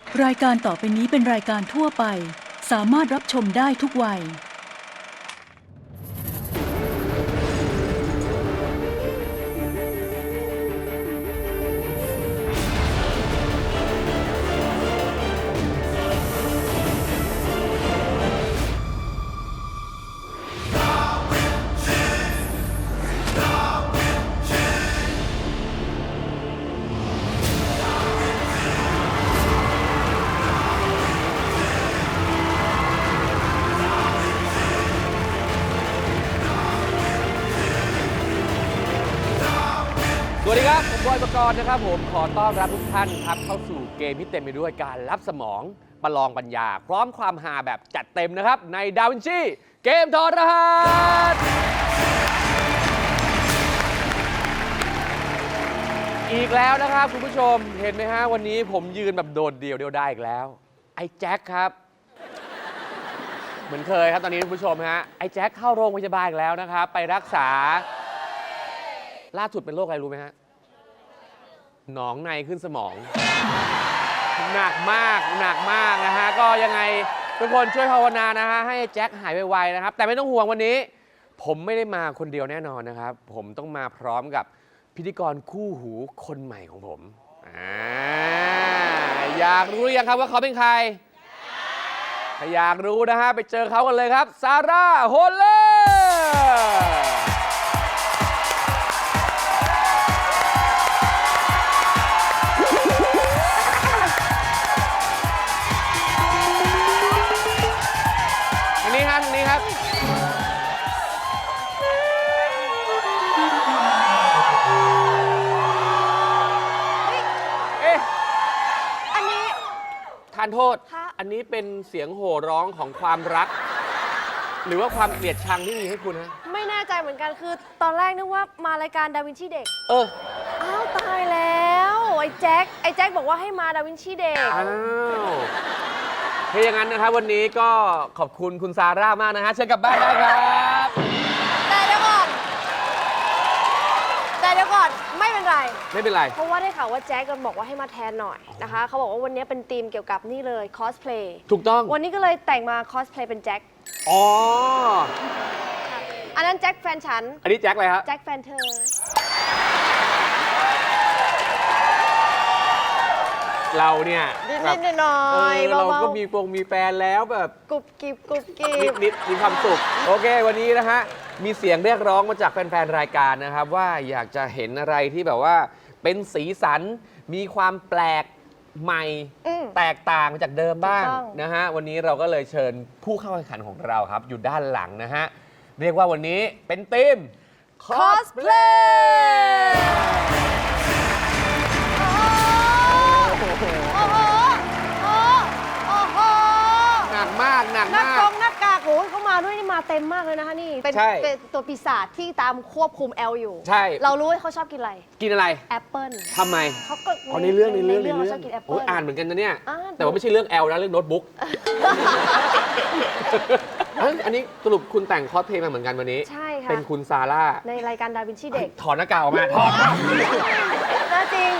รายการต่อไปนี้เป็นรายการทั่วไปสามารถรับชมได้ทุกวัยสวัสดีครับผมบอยปกรณ์นะครับผมขอต้อนรับทุกท่านครับเข้าสู่เกมที่เต็มไปด้วยการรับสมองประลองปัญญาพร้อมความฮาแบบจัดเต็มนะครับในดาวินชีเกมถอดรหัสอีกแล้วนะครับคุณผู้ชมเห็นไหมฮะวันนี้ผมยืนแบบโดดเดี่ยวได้อีกแล้วไอ้แจ็คครับเหมือนเคยครับตอนนี้คุณผู้ชมฮะไอ้แจ็คเข้าโรงพยาบาลอีกแล้วนะครับไปรักษาล่าสุดเป็นโรคอะไรรู้ไหมฮะหนองในขึ้นสมองหนักมากนะฮะก็ยังไงทุกคนช่วยภาวนานะฮะให้แจ็คหายไวๆนะครับแต่ไม่ต้องห่วงวันนี้ผมไม่ได้มาคนเดียวแน่นอนนะครับผมต้องมาพร้อมกับพิธีกรคู่หูคนใหม่ของผมอยากรู้หรือยังครับว่าเขาเป็นใครถ้าอยากรู้นะฮะไปเจอเขากันเลยครับซาร่าโฮลเลอร์ทางนี้ครับเอ๊ะอันนี้ทานโทษอันนี้เป็นเสียงโห่ร้องของความรักหรือว่าความเกลียดชังที่มีให้คุณฮะไม่แน่ใจเหมือนกันคือตอนแรกนึกว่ามารายการดาวินชีเด็กอ้าวตายแล้วไอ้แจ็คบอกว่าให้มาดาวินชีเด็กอ้าวถ้าอย่างนั้นนะครับวันนี้ก็ขอบคุณคุณซาร่ามากนะฮะเชิญกลับบ้านได้ครับแต่เดี๋ยวก่อนไม่เป็นไรเพราะว่าได้ข่าวว่าแจ็คก็บอกว่าให้มาแทนหน่อยนะคะเขาบอกว่าวันนี้เป็นธีมเกี่ยวกับนี่เลยคอสเพลย์ถูกต้องวันนี้ก็เลยแต่งมาคอสเพลย์เป็นแจ็คอ๋ออันนั้นแจ็คแฟนฉันอันนี้แจ็คอะไรครับแจ็คแฟนเธอเราเนี่ยนิดหน่อยเราก็มีแฟนแล้วแบบกุบกิบนิดมีความสุขโอเควันนี้นะฮะมีเสียงเรียกร้องมาจากแฟนๆรายการนะครับว่าอยากจะเห็นอะไรที่แบบว่าเป็นสีสันมีความแปลกใหม่แตกต่างจากเดิมบ้างนะฮะวันนี้เราก็เลยเชิญผู้เข้าแข่งขันของเราครับอยู่ด้านหลังนะฮะเรียกว่าวันนี้เป็นทีมคอสเพลย์หนักมากหน้ากากโอ้ยเขามาด้วยนี่มาเต็มมากเลยนะคะนี่เป็นตัวปีศาจที่ตามควบคุมแอลอยู่ใช่เรารู้ว่าเขาชอบกินอะไรแอปเปิ้ลทำไมเขาก็ในเรื่องชอบกินแอปเปิ้ลอ่านเหมือนกันนะเนี่ยแต่ว่าไม่ใช่เรื่องแอลนะเรื่องโน้ตบุ๊กอันนี้สรุปคุณแต่งคอสเพลย์มาเหมือนกันวันนี้ใช่ค่ะเป็นคุณซาร่าในรายการดาวินชีเด็กถอดหน้ากากออกมาถอดน่าจริง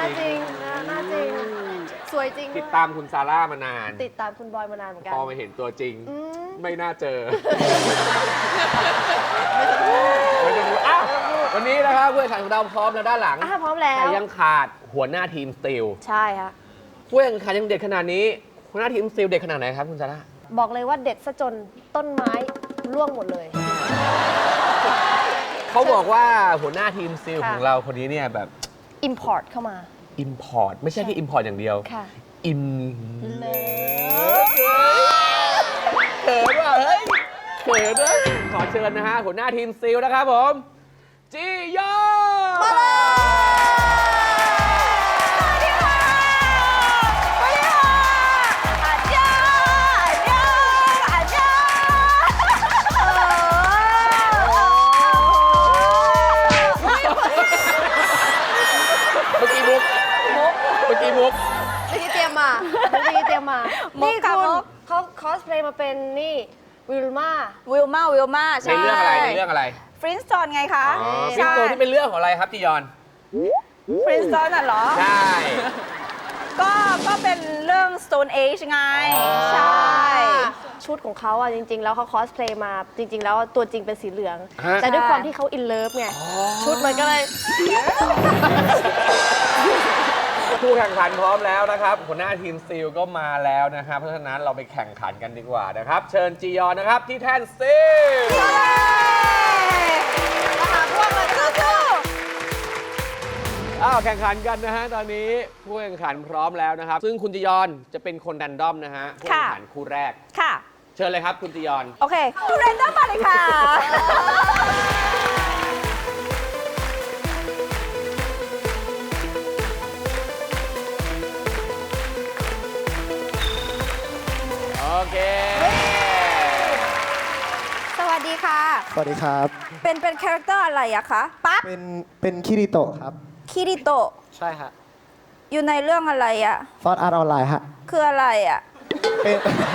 สวยจริงติดตามคุณซาร่ามานานติดตามคุณบอยมานานเหมือนกันพอมาเห็นตัวจริงไม่น่าเจอวันนี้นะครับผู้แข่งขันของเราพร้อมแล้วด้านหลังพร้อมแล้วแต่ยังขาดหัวหน้าทีมสตีลใช่ค่ะผู้แข่งขันยังเด็ดขนาดนี้หัวหน้าทีมสตีลเด็ดขนาดไหนครับคุณซาร่าบอกเลยว่าเด็ดซะจนต้นไม้ร่วงหมดเลยเขาบอกว่าหัวหน้าทีมสตีลของเราคนนี้เนี่ยแบบ import เข้ามา import ไม่ใช่ที่ import อย่างเดียวเลิฟเขินว่ะเฮ้ยเขินด้วยขอเชิญนะฮะหัวหน้าทีมซิลนะครับผมจียอมาเลยเมื่อกี้มุกเตรียมมานี่คุณเขาคอสเพลย์มาเป็นนี่วิลมาใช่ในเรื่องอะไรฟรินสโตนไงคะฟรินสโตนที่เป็นเรื่องของอะไรครับจียอนฟรินสโตนน่ะเหรอใช่ก็เป็นเรื่อง Stone Age ไง ใช่ชุดของเขาอ่ะจริง ๆ แล้วเขาคอสเพลย์มาจริง ๆ แล้วตัวจริงเป็นสีเหลืองฮะแต่ด้วยความที่เขาอินเลิฟไงชุดมันก็เลยผู้แข่งขันพร้อมแล้วนะครับหัวหน้าทีมสตีลก็มาแล้วนะครับ เพราะฉะนั้นเราไปแข่งขันกันดีกว่านะครับ เชิญจียอนนะครับที่แท่นสตีลมาหาพวกเลยสู้แข่งขันกันนะฮะตอนนี้ผู้แข่งขันพร้อมแล้วนะครับ ซึ่งคุณจียอนจะเป็นคนแรนดอมนะฮะผู้แข่งขันคู่แรกๆค่ะเชิญเลยครับคุณจียอนโอเคดูเรนเดอร์มาเลยค่ะโอเคสวัสดีค่ะสวัสดีครับเป็นคาแรคเตอร์อะไรอะคะปั๊บเป็นคิริโตะครับคิริโตะใช่ฮะอยู่ในเรื่องอะไรอะซอสอาร์ตออนไลน์ฮะคืออะไรอะเป็น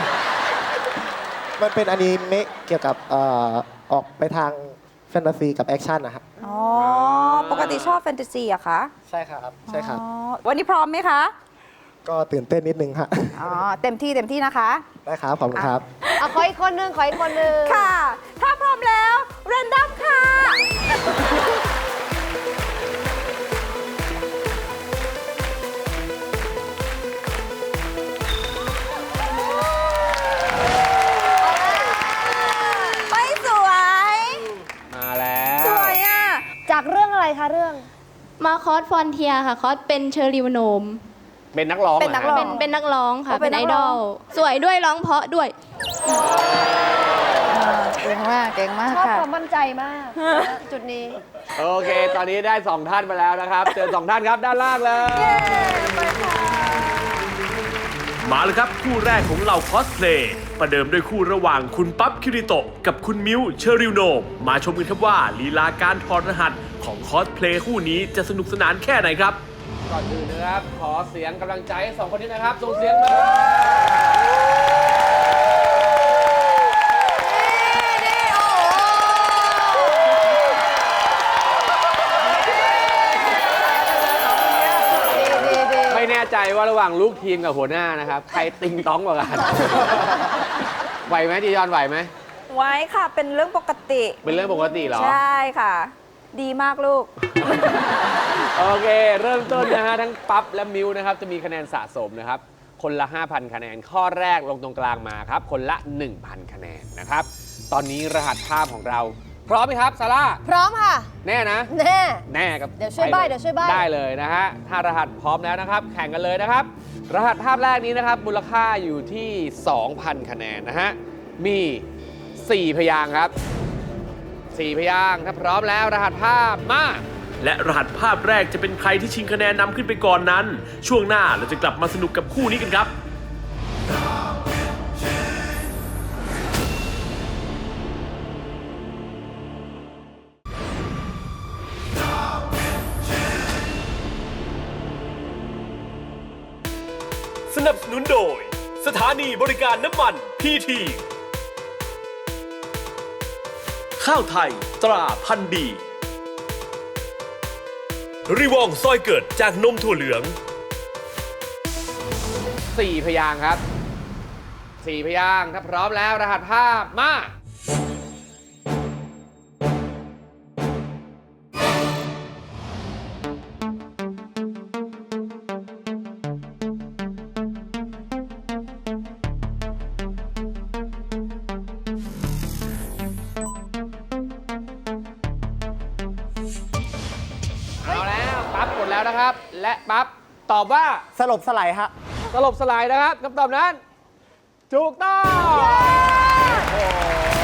มันเป็นอนิเมะเกี่ยวกับออกไปทางแฟนตาซีกับแอคชั่นนะฮะอ๋อ ปกติชอบแฟนตาซีอะคะใช่ครับ ใช่ครับอ๋อวันนี้พร้อมไหมคะก็ตื่นเต้นนิดนึงฮะอ๋อ เต็มที่นะคะได้ครับ ขอบคุณครับเอาขออีกคนนึงขออีกคนนึงค่ะ ถ้าพร้อมแล้วเรนดอมค่ะ ไม่สวยมาแล้วสวยอ่ะจากเรื่องอะไรคะเรื่องมาคอสฟอนเทียค่ะ คอสเป็นเชอร์ริวโนมเป็นนักร้องเป็นนักร้องเป็นนักร้องค่ะอ๋อเป็เป็น นนัไอกร้ดออง ล สวยด้วยร้องเพราะด้วยเก่งมาก เก่งมากชอบค่ะความมั่นใจมากจุดนี้โอเค ตอนนี้ได้2ท่านไปแล้วนะครับเจอ2ท่านครับด้านล่างเลยมาเลยครับ คู่แรกของเราคอสเพลย์ประเดิมด้วยคู่ระหว่างคุณปั๊บคิริโตะกับคุณมิวเชอริวโนมมาชมกันครับว่าลีลาการถอดรหัสของคอสเพลย์คู่นี้จะสนุกสนานแค่ไหนครับก่อนอื่นนะครับ ขอเสียงกำลังใจให้2คนนี้นะครับ ส่งเสียงมาไม่แน่ใจว่าระหว่างลูกทีมกับหัวหน้านะครับ ใครติงต้องกว่ากัน ไหวไหมจียอนไหวไหมไว้ค่ะ เป็นเรื่องปกติเป็นเรื่องปกติเหรอใช่ค่ะ ดีมากลูกโอเค เริ่มต้นนะฮะ ทั้งปั๊บและมิวนะครับ จะมีคะแนนสะสมนะครับ คนละ 5,000 คะแนน ข้อแรกลงตรงกลางมาครับ คนละ 1,000 คะแนนนะครับ ตอนนี้รหัสภาพของเรา พร้อมไหมครับซาร่าพร้อมค่ะแน่นะแน่แน่กับเดี๋ยวช่วยใบ้ไปลเดี๋ยวช่วยใบ้ได้เลยนะฮะ ถ้ารหัสพร้อมแล้วนะครับ แข่งกันเลยนะครับ รหัสภาพแรกนี้นะครับ มูลค่าอยู่ที่ 2,000 คะแนนนะฮะ มี 4 พยางค์ครับ 4 พยางค์ถ้าพร้อมแล้วรหัสภาพมาและรหัสภาพแรกจะเป็นใครที่ชิงคะแนนนำขึ้นไปก่อนนั้น ช่วงหน้าเราจะกลับมาสนุกกับคู่นี้กันครับ สนับสนุนโดย สถานีบริการน้ำมันพีทีข้าวไทยตราพันธุ์ดีรีวองซอยเกิดจากนมถั่วเหลือง 4 พยางค์ครับ 4 พยางค์ถ้าพร้อมแล้วรหัสภาพมา เอาแล้วปั๊บกดแล้วนะครับ และปั๊บตอบว่าสลบสลายฮะสลบสลายนะครับคำตอบนั้น ถูกต้องโอ้โห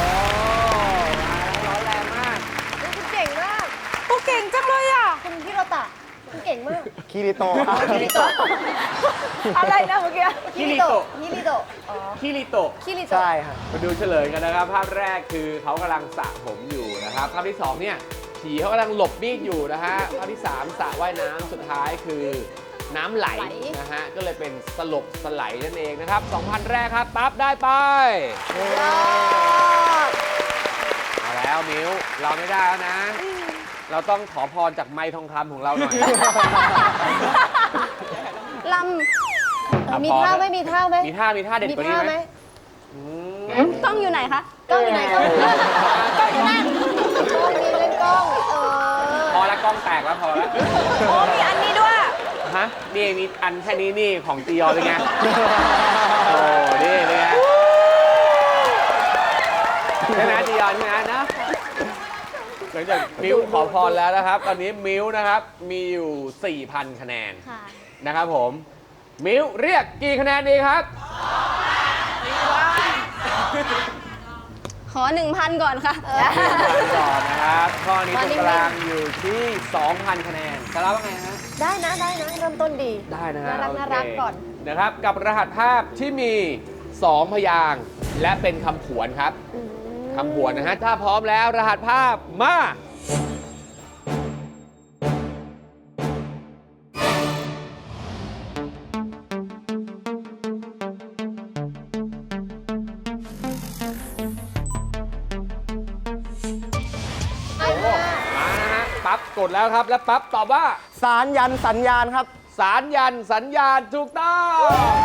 ร้อนแรงมากคุณเก่งมากโอ้เก่งจังเลยอ่ะคุณฮิโรตะคุณเก่งมากคิริโตะครับคิริโตะอะไรนะเมื่อกี้คิริโตะคิริโตะอ๋อคิริโตะคิริโตะใช่ฮะมาดูเฉลยกันนะครับ ภาพแรกคือเขากำลังสระผมอยู่นะครับ ภาพที่ 2 เนี่ยผีเขากำลังหลบมีดอยู่นะฮะ ภาพที่ 3สระว่ายน้ำสุดท้ายคือน้ำไหลนะฮะ ก็เลยเป็นสลบสไลด์นั่นเองนะครับ 2,000 แรกครับ ปั๊บได้ไปเอาแล้วมิวเราไม่ได้แล้วนะ เราต้องขอพรจากไม้ทองคำของเราหน่อยลมีท่าไหมมีท่าไหมมีท่าเด็ดกว่านี้ไหมกล้องอยู่ไหนคะกล้องอยู่ไหนกล้องอยู่นั่นกล้องมีเล่นกล้องพอแล้วกล้องแตกแล้วพอแล้วโอ้มีอันนี้ด้วยฮะนี่มีอันแค่นี้นี่ของจียอนเป็นไง โอ้นี่เป็นไงใช่ไหมจียอนใช่ไหมนะหลังจากมิวขอพรแล้วนะครับ ตอนนี้มิวนะครับมีอยู่ 4,000 คะแนนค่ะนะครับผมมิวเรียกกี่คะแนนดีครับขอ 1,000 ก่อนค่ะก่อนนะครับข้อนี้ตรงกลางอยู่ที่ 2,000 คะแนนจะรับว่าไงฮะได้นะเริ่มต้นดีได้นะฮะน่ารักโอเคน่ารักก่อนนะครับกับรหัสภาพที่มี 2 พยางค์และเป็นคำผวนครับคำผวนนะฮะถ้าพร้อมแล้วรหัสภาพมามานะฮะปั๊บกดแล้วครับแล้วปั๊บตอบว่าสารยันสัญญาณครับสารยันสัญญาณถูกต้อง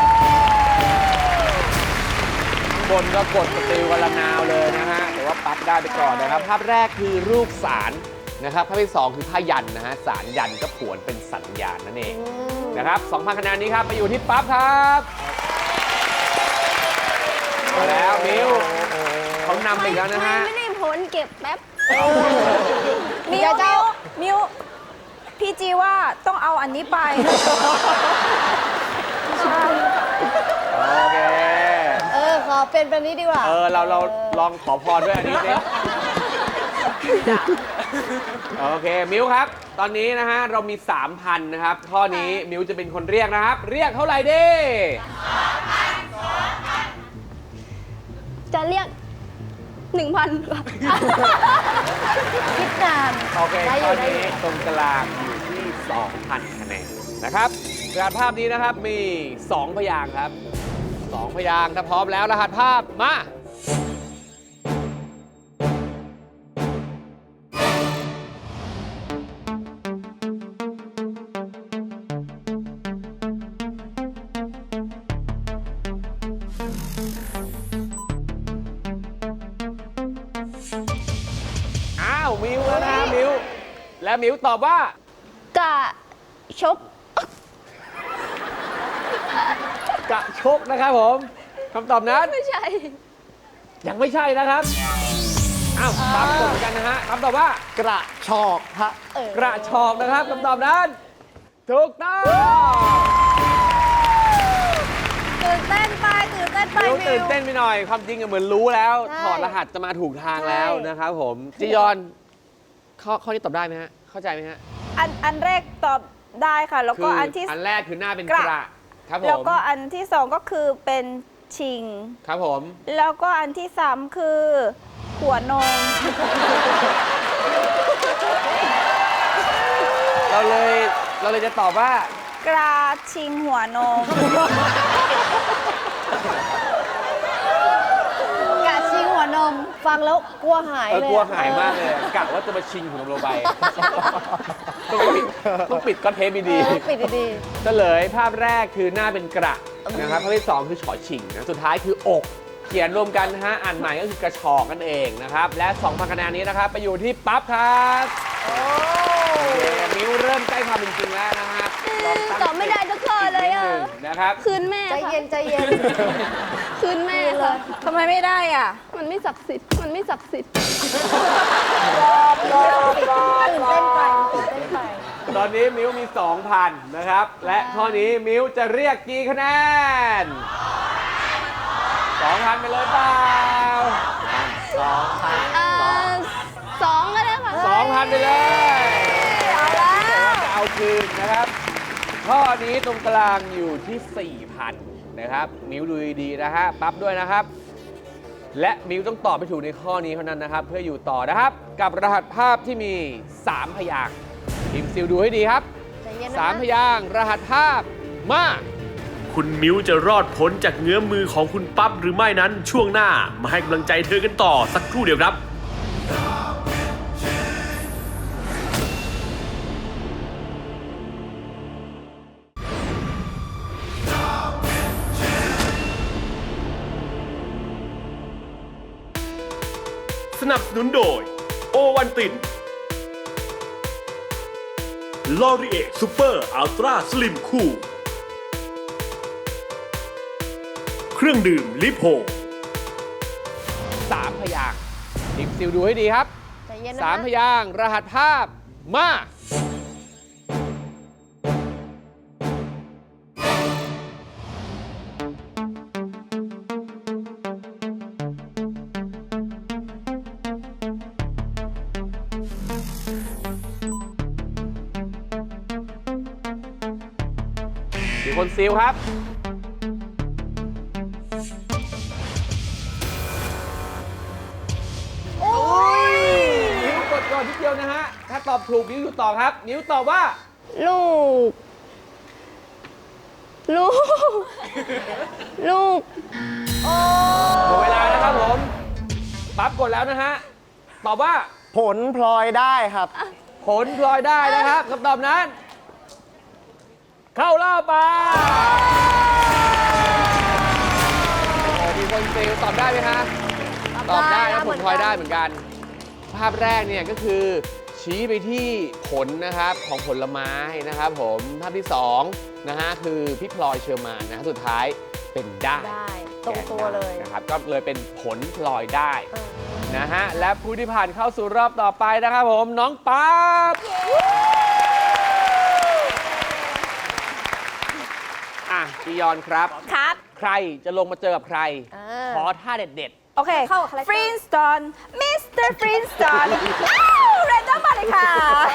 บนก็กดสติวกันละนาวเลยนะฮะแต่ว่าปั๊บได้ไปก่อนนะครับ ภาพแรกคือรูปสารนะครับ ภาพที่ 2 คือผ้ายันนะฮะ สารยันก็ผวนเป็นสัญญาณนั่นเองนะครับ 2,000 คะแนนนี้ครับไปอยู่ที่ปั๊บครับมาแล้วมิวเขานำไปอีกแล้วนะฮะไม่ได้ผลเก็บแป๊บมิวพี่จีว่าต้องเอาอันนี้ไปโอเคขอเป็นแบบนี้ดีกว่าเราลองขอพรด้วยอันนี้สิโอเค มิวครับ ตอนนี้นะฮะ เรามี 3,000 นะครับ ข้อนี้มิวจะเป็นคนเรียกนะครับ เรียกเท่าไหร่ดีจะเรียก 1,000ค่ะ คิดนานโอเคได้อยู่ข้อได้อยู่นี้ตรงกลางอยู่ที่ 2,000 คะแนนนะครับรหัสภาพนี้นะครับมี 2 พยางค์ครับ 2 พยางค์ถ้าพร้อมแล้วรหัสภาพมา อ้าวมิวแล้วนะมิวและมิวตอบว่ากะชกกระชกนะครับผมคำตอบนั้นไม่ใช่ยังไม่ใช่นะครับอ้าวตามกฎเหมือนกันนะฮะคำตอบว่ากระชอกฮะกระชอกนะครับคำตอบนั้นถูกต้องตื่นเต้นไปมิวตื่นเต้นไปหน่อยความจริงอะเหมือนรู้แล้วใช่ถอดรหัสจะมาถูกทางแล้วนะครับผมจียอนข้อนี้ตอบได้ไหมฮะเข้าใจไหมฮะอันแรกตอบได้ค่ะ แล้วก็อันที่อันแรกคือหน้าเป็นกกระระครับผแล้วมก็อันที่สองก็คือเป็นชิงครับผมแล้วก็อันที่สามคือหัวนมเราเลยจะตอบว่ากระชิงหัวนมกะชิงหัวนม ฟังแล้วกลัวหายเลยกลัวหายมากเลยกะว่าจะมาชิงของเราไปต้องปิดก้อนเทปดีๆปิดดีเฉลยภาพแรกคือหน้าเป็นกระนะครับภาพที่ 2 คือฉอชิงนะสุดท้ายคืออก เขียนรวมกันนะฮะอ่านใหม่ก็คือกระชอกนั่นเองนะครับและ 2,000 คะแนนนี้นะครับไปอยู่ที่ปั๊บครับโอเคมิวเริ่มใกล้ความเป็นจริงแล้วนะครับลองตั้งตอบไม่ได้ทุกข้อเลยอะนิดนึงนะครับคืนแม่ใจเย็นใจเย็น คืนแม่ค่ะทำไมไม่ได้อ่ะมันไม่ศักดิ์สิทธิ์ มันไม่ศักดิ์สิทธิ์ตื่นเต้นไปตอนนี้มิวมี 2,000 นะครับ และข้อนี้มิวจะเรียกกี่คะแนน 2,000 ไปเลยเปล่า 2ก็ได้ค่ะ 2,000 ไปเลยเอาแล้วจะเอาคืนนะครับ ข้อนี้ตรงกลางอยู่ที่ 4,000 นะครับ มิวดูดีๆนะฮะ ปั๊บด้วยนะครับ และมิวต้องตอบไปถูกในข้อนี้เท่านั้นนะครับ เพื่ออยู่ต่อนะครับ กับรหัสภาพที่มี 3 พยางค์ทีมซิลดูให้ดีครับใจเย็นนะ 3 พยางค์รหัสภาพมาคุณมิวจะรอดพ้นจากเงื้อมือของคุณปั๊บหรือไม่นั้นช่วงหน้ามาให้กำลังใจเธอกันต่อสักครู่เดียวครับนับสนุนโดยโอวันตินลอรีเอซูเปอร์อัลตร้าสลิมคูลเครื่องดื่มลิโพ 3 พยางค์ทีมซิลดูให้ดีครับใจเย็นนะ 3 พยางค์รหัสภาพมา มีคนซิลครับ นิ้วกดก่อนทีเดียวนะฮะ ถ้าตอบถูกนิ้วอยู่ต่อครับ นิ้วตอบว่าลูก ลูก ลูกหมดเวลานะครับผม ปั๊บกดแล้วนะฮะ ตอบว่าผลพลอยได้ครับผลพลอยได้นะครับคำตอบนั้น เข้ารอบไปโอ้มีคนซิลตอบได้ไหมฮะ ตอบได้นะผลพลอยได้เหมือนกัน ภาพแรกเนี่ยก็คือชี้ไปที่ผลนะครับของผลไม้นะครับผมภาพที่2นะฮะคือพี่พลอยเชอร์มานนะฮะสุดท้ายเป็นได้ได้ตรงตัวเลยนะครับก็เลยเป็นผลพลอยได้นะฮะและผู้ที่ผ่านเข้าสู่รอบต่อไปนะครับผมน้องปั๊บอ่ะจียอนครับครับใครจะลงมาเจอกับใคร ขอท่าเด็ดโอเคเข้ากับคาแรคเตอร์ฟรินสตอนมิสเตอร์ฟรินสตอนอ้าวเรนดอมมาเลยค่ะ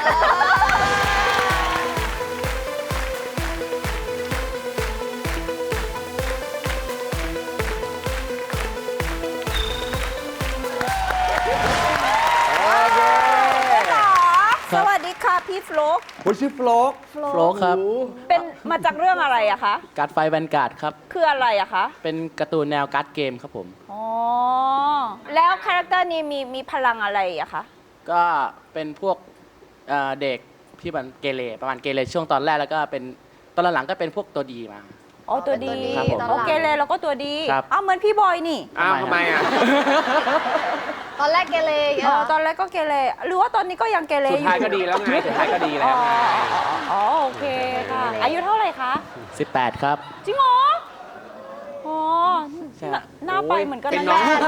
ๆโอเคสวัสดีค่ะพี่ฟลุ๊กคุณชื่อโฟลกโฟลกครับเป็นมาจากเรื่องอะไรอะคะการ์ดไฟแวนการ์ดครับคืออะไรอะคะเป็นการ์ตูนแนวการ์ดเกมครับผมอ๋อ แล้วคาแรคเตอร์นี้มีพลังอะไรอะคะก็เป็นพวกเด็กที่มันเกเรประมาณเกเรช่วงตอนแรกแล้วก็เป็นตอนหลังๆก็เป็นพวกตัวดีมาอ๋อตัวดีครับผมโอเคเลยแล้วก็ตัวดีครับเอาเหมือนพี่บอยนี่อ้าวทำไมอ่ะตอนแรกเกเรอย่างเงี้ยอ๋อเหรอตอนแรกก็เกเรหรือว่าตอนนี้ก็ยังเกเรสุอดยู่ท้ายก็ดีแล้วไง สุดท้ายก็ดีแล้วไงอ๋อโอเคค่ะ อายุเท่าไหร่คะ 18 ครับจริงเหรอ อ๋อใช่หน้าไปเหมือนกันเป็นนะน้องแม่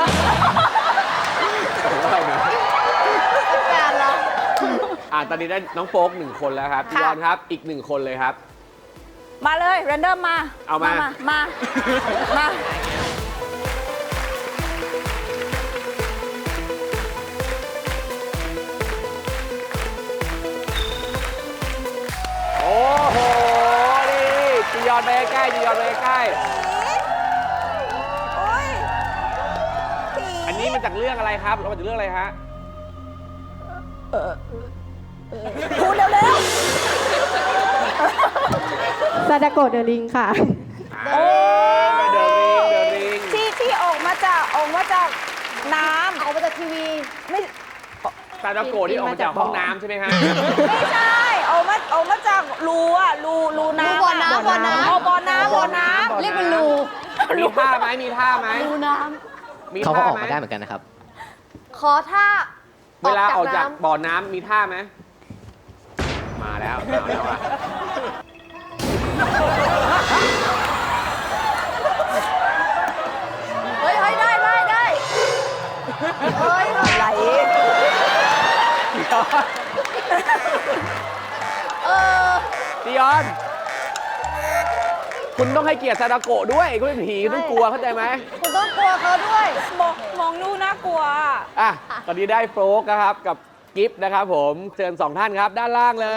การเหรอตอนนี้ได้น้องโฟก1 คนแล้วครับจียอนครับอีก1 คนเลยครับมาเลยเรนเดอร์มาเอามามา มาโอ้โห นี่จียอนไปใกล้จียอนไปใกล้โอ้ยอันนี้มาจากเรื่องอะไรครับเรามาจากเรื่องอะไรฮะพูดเร็วซาดาโกะเดอะลิงค่ะๆโอ้เดอะริงที่ออกมาจากน้ำออกมาจากทีวีไม่ซาดาโกะที่ออกมาจากห้องน้ำใช่ไหมฮะไม่ใช่ออกมาจากรูอะรูน้ำบ่อน้ำบ่อน้ำอ๋อบ่อน้ำเรียกเป็นรูมีท่าไหมมีท่าไหมรูน้มีเขาก็ท่าออกไหมมาได้เหมือนกันนะครับำขอท่าเวลาออกจากน้ำบ่อน้ำมีท่าไหมมาแล้วอ่ะเฮ้ยได้เฮ้ยไหลจียอน คุณต้องให้เกียรติซาดาโกะด้วยเขาเป็นผีคุณต้องกลัวเข้าใจไหมคุณต้องกลัวเขาด้วยมองดูน่ากลัวอ่ะ ตอนนี้ได้โฟลกนะครับกับกิฟต์นะครับผมเชิญ2 ท่านครับด้านล่างเลย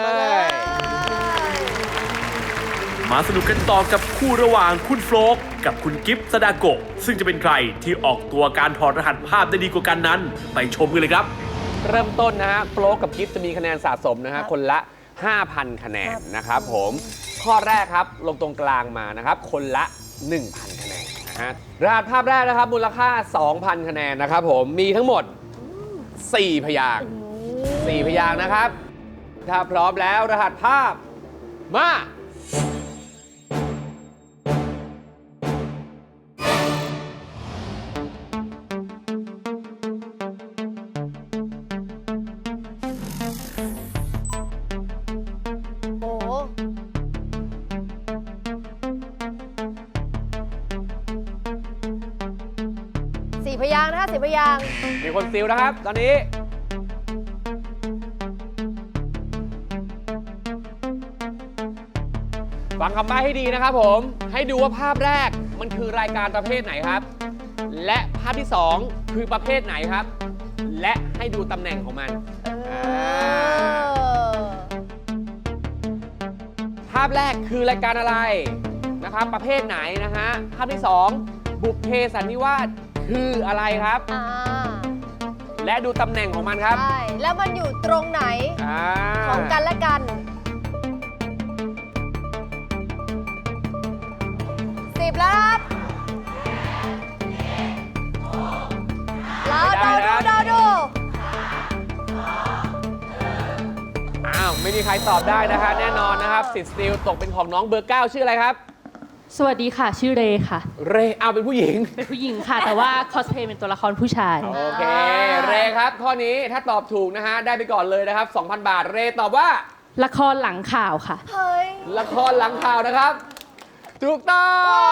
มาสนุกกันต่อกับคู่ระหว่างคุณโฟลกกับคุณกิฟต์ซาดาโกะซึ่งจะเป็นใครที่ออกตัวการถอดรหัสภาพได้ดีกว่ากันนั้น ไปชมกันเลยครับเริ่มต้นนะฮะโฟลกกับกิฟต์จะมีคะแนนสะสมนะฮะคนละ 5,000 คะแนนนะครับผมข้อแรกครับลงตรงกลางมานะครับคนละ 1,000 คะแนนนะฮะรหัสภาพแรกนะครับมูลค่า 2,000 คะแนนนะครับผมมีทั้งหมด 4 พยางค์4 พยางค์นะครับ ถ้าพร้อมแล้วรหัสภาพมาพยางค์นะคะ10 พยางค์มีคนซิลนะครับ ตอนนี้ ฟังคำใบ้ให้ดีนะครับผม ให้ดูว่าภาพแรกมันคือรายการประเภทไหนครับ และภาพที่ 2 คือประเภทไหนครับ และให้ดูตำแหน่งของมัน ภาพแรกคือรายการอะไรนะครับ ประเภทไหนนะฮะ ภาพที่ 2 บุพเพสันนิวาสคืออะไรครับ และดูตำแหน่งของมันครับใช่ แล้วมันอยู่ตรงไหน ของกันและกัน 10 แล้วครับเราดูอ้าว ไม่มีใครตอบได้นะฮะแน่นอนนะครับสิทธิ์สติลตกเป็นของน้องเบอร์ 9 ชื่ออะไรครับสวัสดีค่ะ ชื่อเรค่ะเรเอาเป็นผู้หญิงเป็นผู้หญิงค่ะ แต่ว่าคอสเพลย์เป็นตัวละครผู้ชายโอเค เรครับ ข้อนี้ถ้าตอบถูกนะฮะ ได้ไปก่อนเลยนะครับ 2,000 บาท เรตอบว่าละครหลังข่าวค่ะเฮ้ยละครหลังข่าวนะครับ ถูกต้อง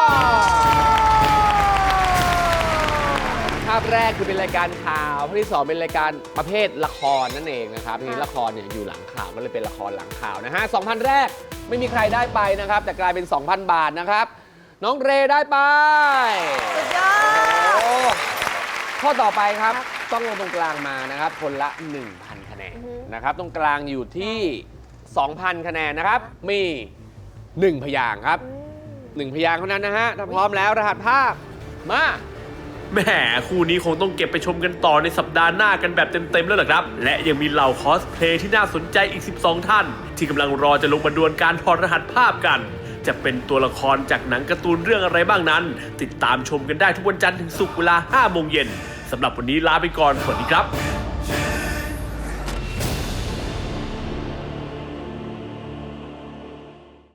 ภาพแรกคือเป็นรายการข่าวภาพที่ 2 เป็นรายการประเภทละครนั่นเองนะครับทีนี้ละครเนี่ยอยู่หลังข่าวก็เลยเป็นละครหลังข่าวนะฮะ 2,000 แรกไม่มีใครได้ไปนะครับ แต่กลายเป็น 2,000 บาทนะครับ น้องเรได้ไปสุดยอดโอ้ข้อต่อไปครับต้องลงตรงกลางมานะครับคนละ 1,000 คะแนนนะครับตรงกลางอยู่ที่ 2,000 คะแนนนะครับมี 1 พยางค์ครับ 1 พยางค์เท่านั้นนะฮะถ้าพร้อมแล้วรหัสภาพมาแหมคู่นี้คงต้องเก็บไปชมกันต่อในสัปดาห์หน้ากันแบบเต็มๆแล้วล่ะครับ และยังมีเหล่าคอสเพลย์ที่น่าสนใจอีก 12 ท่าน ที่กำลังรอจะลงมาดวลการถอดรหัสภาพกัน จะเป็นตัวละครจากหนังการ์ตูนเรื่องอะไรบ้างนั้น ติดตามชมกันได้ทุกวันจันทร์ถึงศุกร์เวลา 5 โมงเย็นสำหรับวันนี้ลาไปก่อนสวัสดีครับ